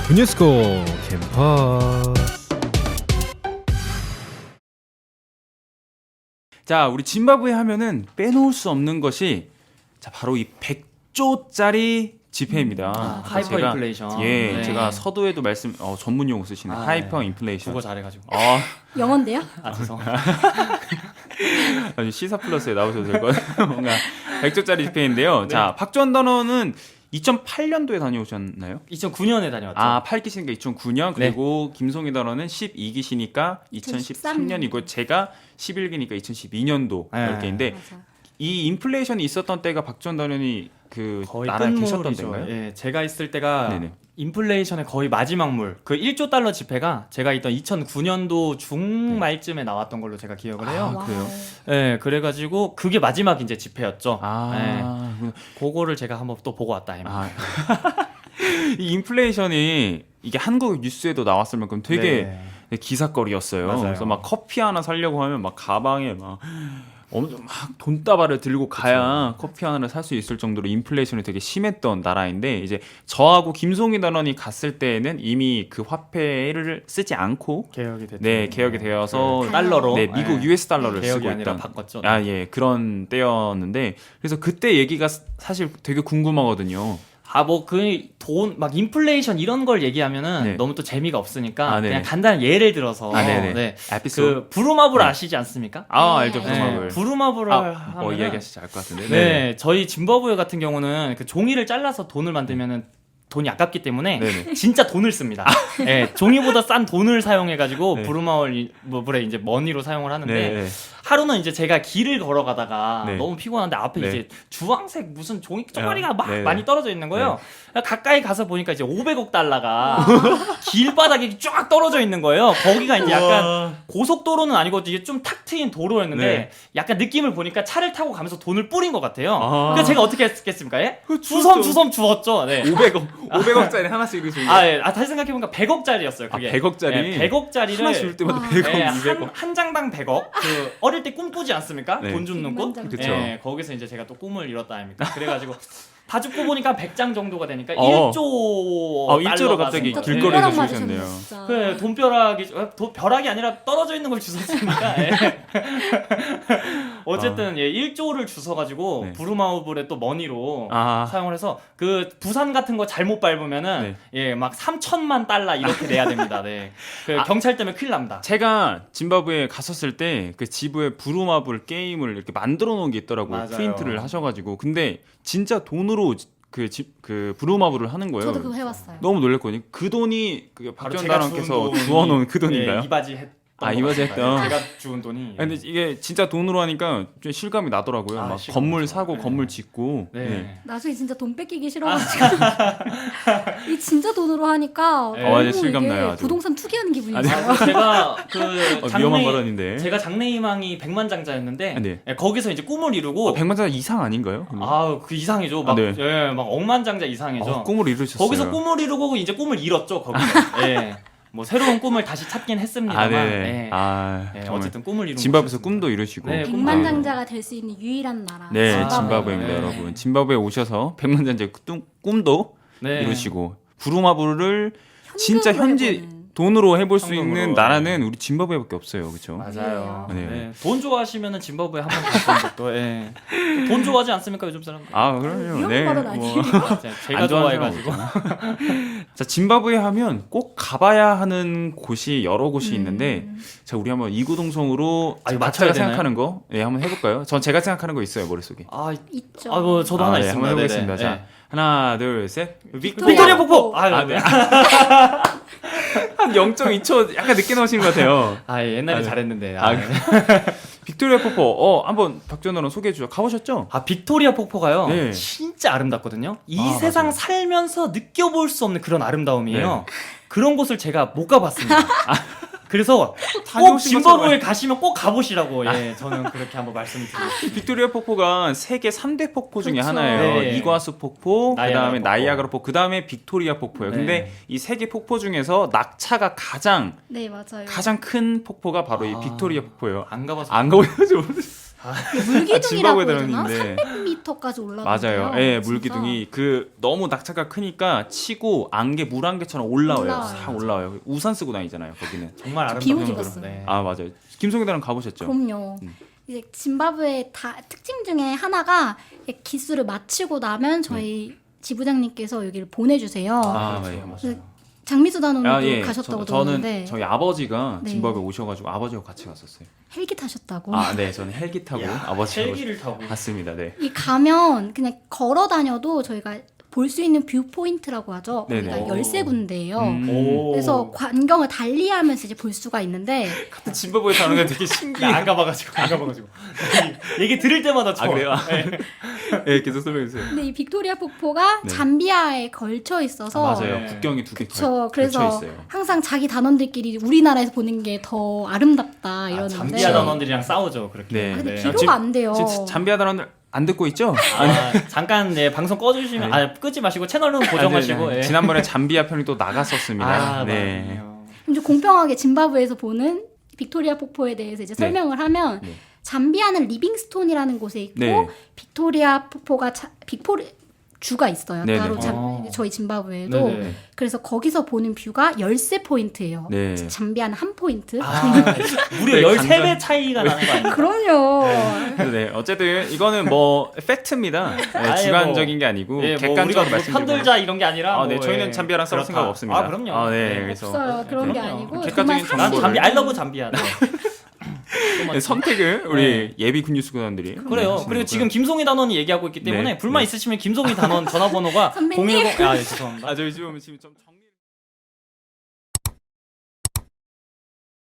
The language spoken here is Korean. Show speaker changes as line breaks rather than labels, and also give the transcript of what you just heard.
유네스코 캠퍼스.
자, 우리 짐바브웨 하면은 빼놓을 수 없는 것이 자 바로 이 100조짜리 지폐입니다.
하이퍼 인플레이션.
예,
네.
제가 서두에도 말씀 전문 용어 쓰시는 하이퍼
네.
인플레이션.
국어 잘해가지고.
영어인데요?
죄송.
아니 시사 플러스에 나오셔도 될 것 같아요. 뭔가 100조짜리 지폐인데요. 자, 박주원 단원은 2008년도에 다녀오셨나요?
2009년에 다녀왔죠.
아, 8기시니까 2009년, 그리고 김송희 단원은 12기시니까 2013년이고 제가 11기니까 2012년도
네.
10개인데
맞아.
이 인플레이션이 있었던 때가 박주원 단원이 그
거의
나라에 계셨던
끝물이죠.
때인가요?
예, 제가 있을 때가
네네.
인플레이션의 거의 마지막 물. 그 1조 달러 지폐가 제가 있던 2009년도 중말쯤에 나왔던 걸로 제가 기억을 해요.
아, 그래요?
예, 그래가지고 그게 마지막 이제 지폐였죠.
아,
그거를 제가 한번 또 보고 왔다.
아. 이 인플레이션이 이게 한국 뉴스에도 나왔을 만큼 되게 기사거리였어요.
맞아요.
그래서 막 커피 하나 사려고 하면 막 가방에 막 엄청 막 돈다발을 들고 가야 커피 하나를 살 수 있을 정도로 인플레이션이 되게 심했던 나라인데 이제 저하고 김송희 단원이 갔을 때는 이미 그 화폐를 쓰지 않고
개혁이 됐죠.
네, 개혁이 되어서
그 달러로
네, 미국 US 달러를
개혁이
쓰고
아니라
있던
바꿨죠.
아, 예, 그런 때였는데 그래서 그때 얘기가 사실 되게 궁금하거든요.
뭐 그 돈 막 인플레이션 이런 걸 얘기하면은
네.
너무 또 재미가 없으니까
아, 네네.
그냥 간단한 예를 들어서
네네. 에피소드.
그 부루마블
네.
아시지 않습니까?
알죠,
네.
부루마블.
부루마블을 하면은
이야기하시지 않을 것 같은데.
네, 저희 짐바브웨 같은 경우는 그 종이를 잘라서 돈을 만들면은 돈이 아깝기 때문에
네네.
진짜 돈을 씁니다. 네, 종이보다 싼 돈을 사용해가지고
네.
부루마블에 이제 머니로 사용을 하는데
네.
하루는 이제 제가 길을 걸어가다가
네.
너무 피곤한데 앞에
네.
이제 주황색 무슨 종이 쪼가리가 막
네.
많이 떨어져 있는 거예요. 가까이 가서 보니까 이제 500억 달러가 길바닥에 쫙 떨어져 있는 거예요. 거기가 이제 약간 고속도로는 아니고 이게 좀 탁 트인 도로였는데
네.
약간 느낌을 보니까 차를 타고 가면서 돈을 뿌린 것 같아요.
아.
그래서 제가 어떻게 했겠습니까? 예?
주웠죠.
주섬 주었죠. 네.
500억짜리 하나씩 이러시는
다시 생각해보니까 100억짜리였어요. 그게.
100억짜리?
네, 100억짜리를
하나 줄 때마다
와.
100억,
네,
200억.
한 장당 100억. 그 어릴 때 꿈 꾸지 않습니까?
네.
돈 줍는 꿈.
백만 장.
그쵸.
네, 거기서 이제 제가 또 꿈을 이뤘다 아닙니까? 그래가지고 다 줍고 보니까 100장 정도가 되니까
어.
1조
1조로 갑자기
진짜
길거리에서
돈벼락
주셨네요.
맞으셨네, 진짜.
그 벼락이 아니라 떨어져 있는 걸 주웠으니까 어쨌든 1조를 주워가지고
네.
부루마블에 또 머니로
아.
사용을 해서 그 부산 같은 거 잘못 밟으면은 막 3천만 달러 이렇게 내야 됩니다. 네. 그 경찰 때문에 큰일 납니다.
제가 짐바브웨에 갔었을 때 그 지부에 부루마블 게임을 이렇게 만들어 놓은 게 있더라고요.
맞아요.
프린트를 하셔가지고. 근데 진짜 돈으로 그 부루마블을 하는 거예요.
저도 그거 해봤어요.
너무 놀랬거든요. 그 돈이 그
바로
박지원
제가
단원께서
주운
주워놓은 그 돈인가요?
이바지 했던
이바지
것 같아요.
했던.
제가 주운 돈이.
근데 이게 진짜 돈으로 하니까 좀 실감이 나더라고요. 막
실감
건물
나죠.
사고
네.
건물 짓고.
네.
나중에 진짜 돈 뺏기기 싫어가지고 이 진짜 돈으로 하니까
네.
너무
아주 실감나요,
이게
아주.
부동산 투기하는 기분이
아니,
있어요.
제가 그
위험한 발언인데.
제가 장래희망이 백만장자였는데
네.
거기서 이제 꿈을 이루고
백만장 이상 아닌가요?
그 이상이죠. 막,
네.
막 억만장자 이상이죠.
꿈을 이루셨어요.
거기서 꿈을 이루고 이제 꿈을 잃었죠. 거기서. 예. 뭐 새로운 꿈을 다시 찾긴 했습니다만.
네네.
예.
정말
어쨌든 꿈을 이룬
짐바브에서
곳이었습니다.
꿈도 이루시고.
네,
백만장자가 될 수 있는 유일한 나라.
네,
짐바브웨.
짐바브웨입니다,
네.
여러분. 짐바브웨 오셔서 백만장자의 꿈도
네.
이루시고 부루마블을 진짜
현금으로
현지
해보는.
돈으로 해볼 수
현금으로.
있는 나라는 우리 짐바브웨밖에 없어요, 그렇죠?
맞아요.
네.
네. 돈 좋아하시면은 짐바브웨 한번 가시는 것도. 예. 돈 좋아하지 않습니까 요즘 사람들?
그럼요.
위험한 발언 아니에요?
제가
안 좋아하는
좋아해가지고.
자, 짐바브웨 하면 꼭 가봐야 하는 곳이 여러 곳이 있는데,
음.
자, 우리 한번 이구동성으로
이거
각자가
맞춰야
생각하는 거, 한번 해볼까요? 전 제가 생각하는 거 있어요, 머릿속에.
있죠.
뭐 저도 하나
네,
있습니다.
한번 해보겠습니다.
네네.
자, 하나, 둘, 셋.
빅토리아 폭포.
네. 한 0.2초 약간 늦게 나오신 것 같아요.
옛날에
네.
잘했는데.
네. 빅토리아 폭포, 한번 박전호랑 소개해 주죠. 가보셨죠?
빅토리아 폭포가요.
네.
진짜 아름답거든요. 이 세상
맞아요.
살면서 느껴볼 수 없는 그런 아름다움이에요.
네.
그런 곳을 제가 못 가봤습니다. 그래서 꼭
다녀오신
짐바브웨
것처럼.
가시면 꼭 가보시라고 저는 그렇게 한번 말씀드리고
빅토리아 폭포가 세계 3대 폭포 중에
그렇죠.
하나예요.
네.
이과수 폭포,
나이아가라
그다음에
폭포.
나이아가라 폭포, 그다음에 빅토리아 폭포예요.
네.
근데 이 세 개 폭포 중에서 낙차가 가장
네 맞아요.
큰 폭포가 바로 이 빅토리아 폭포예요.
안 가봐서
안 가보셨죠?
물기둥이라고
짐바브웨
해야 되나?
드론인데.
300m까지 올라가요.
맞아요. 예, 물기둥이 그 너무 낙차가 크니까 치고 안개 물안개처럼 올라와요. 싹 올라와요. 우산 쓰고 다니잖아요. 거기는.
정말 아름다운
비오고
정도로.
갔어요.
네.
아 맞아요. 김송희단은 가보셨죠?
그럼요. 이제 짐바브웨 특징 중에 하나가 기술을 마치고 나면 저희 지부장님께서 여기를 보내주세요.
아, 예.
그래서 장미수 단원도
아, 예.
가셨다고
저는
들었는데
저희 아버지가
네.
짐바브웨 오셔가지고 아버지하고 같이 갔었어요.
헬기 타셨다고.
아, 네, 저는 헬기 타고
야,
아버지하고
헬기를 타고.
갔습니다. 네.
이 가면 그냥 걸어 다녀도 저희가 볼 수 있는 뷰 포인트라고 하죠.
네네.
거기가 13군데예요.
오.
그래서 광경을 달리하면서 이제 볼 수가 있는데
같은 짐바브웨 사는 게 되게 신기해.
안 가봐가지고. 얘기 들을 때마다
아
좋아.
그래요?
네.
네, 계속 설명해 주세요.
근데 이 빅토리아 폭포가
네.
잠비아에 걸쳐 있어서
맞아요.
네.
국경이 두 개
그쵸.
걸쳐
그래서
있어요.
항상 자기 단원들끼리 우리나라에서 보는 게 더 아름답다 이러는데
잠비아 단원들이랑 싸우죠 그렇게.
네.
아, 근데
네.
비교가 안 돼요.
지금 잠비아 단원들 안 듣고 있죠?
잠깐 네, 방송 꺼주시면
네.
끄지 마시고 채널은 고정하시고.
아, 네, 네.
예.
지난번에 잠비아 편이 또 나갔었습니다.
아,
네.
맞네요.
좀 공평하게 짐바브웨에서 보는 빅토리아 폭포에 대해서 이제
네.
설명을 하면
네.
잠비아는 리빙스톤이라는 곳에 있고
네.
빅토리아 폭포가 주가 있어요.
네네.
따로 저희 짐바브웨에도.
네네.
그래서 거기서 보는 뷰가 13포인트예요.
네.
잠비아는 한 포인트.
아, 무려
네,
13배 차이가 나는 거 아니에요?
그럼요.
네, 어쨌든 이거는 뭐 팩트입니다. 네,
아예
주관적인 게 아니고
예, 뭐
객관적으로
우리가 뭐
말씀드리면
편들자 이런 게 아니라
아, 네,
뭐,
저희는
예,
잠비아랑 싸울
그렇다.
생각 없습니다.
아, 그럼요.
아, 네,
네.
그래서
없어요. 그런 게
그럼요.
아니고
객관적인
정말
난
정보를-
잠비 알러브 잠비아. 네.
네, 선택을 우리 예비 군뉴스 구단들이
그래요. 그리고 지금 김송희 단원이 얘기하고 있기 때문에
네,
불만
네.
있으시면 김송희 단원 전화번호가
선배님.
010. 아, 예, 죄송합니다.
아 저희 지금 좀